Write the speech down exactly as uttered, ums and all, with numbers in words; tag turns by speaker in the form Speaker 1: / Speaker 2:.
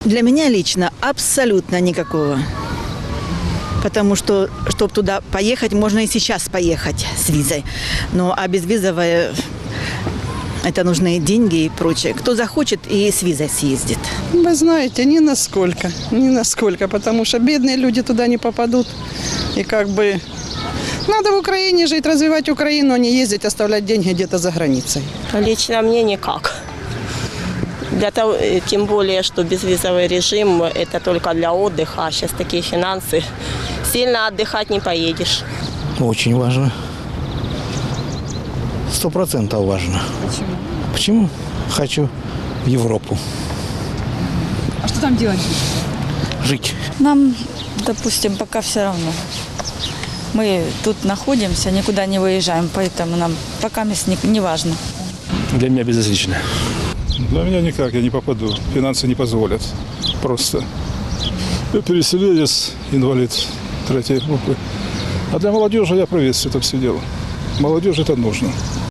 Speaker 1: Для меня лично абсолютно никакого. Потому что, чтобы туда поехать, можно и сейчас поехать с визой. Ну, а безвизовая, это нужны деньги и прочее. Кто захочет, и с визой съездит.
Speaker 2: Вы знаете, ни насколько, ни насколько, потому что бедные люди туда не попадут. И как бы надо в Украине жить, развивать Украину, а не ездить, оставлять деньги где-то за границей.
Speaker 3: Лично мне никак. Для того, тем более, что безвизовый режим – это только для отдыха, а сейчас такие финансы. Сильно отдыхать не поедешь.
Speaker 4: Очень важно. Сто процентов важно.
Speaker 5: Почему?
Speaker 4: Почему? Хочу в Европу
Speaker 5: А что там делать?
Speaker 4: жить.
Speaker 6: Нам, допустим, пока все равно. Мы тут находимся, никуда не выезжаем, поэтому нам пока не, не важно.
Speaker 7: Для меня безразлично.
Speaker 8: Для меня никак, я не попаду. Финансы не позволят. Просто. Я переселенец, инвалид третьей группы. А для молодежи я приветствую это все дело. Молодежи это нужно.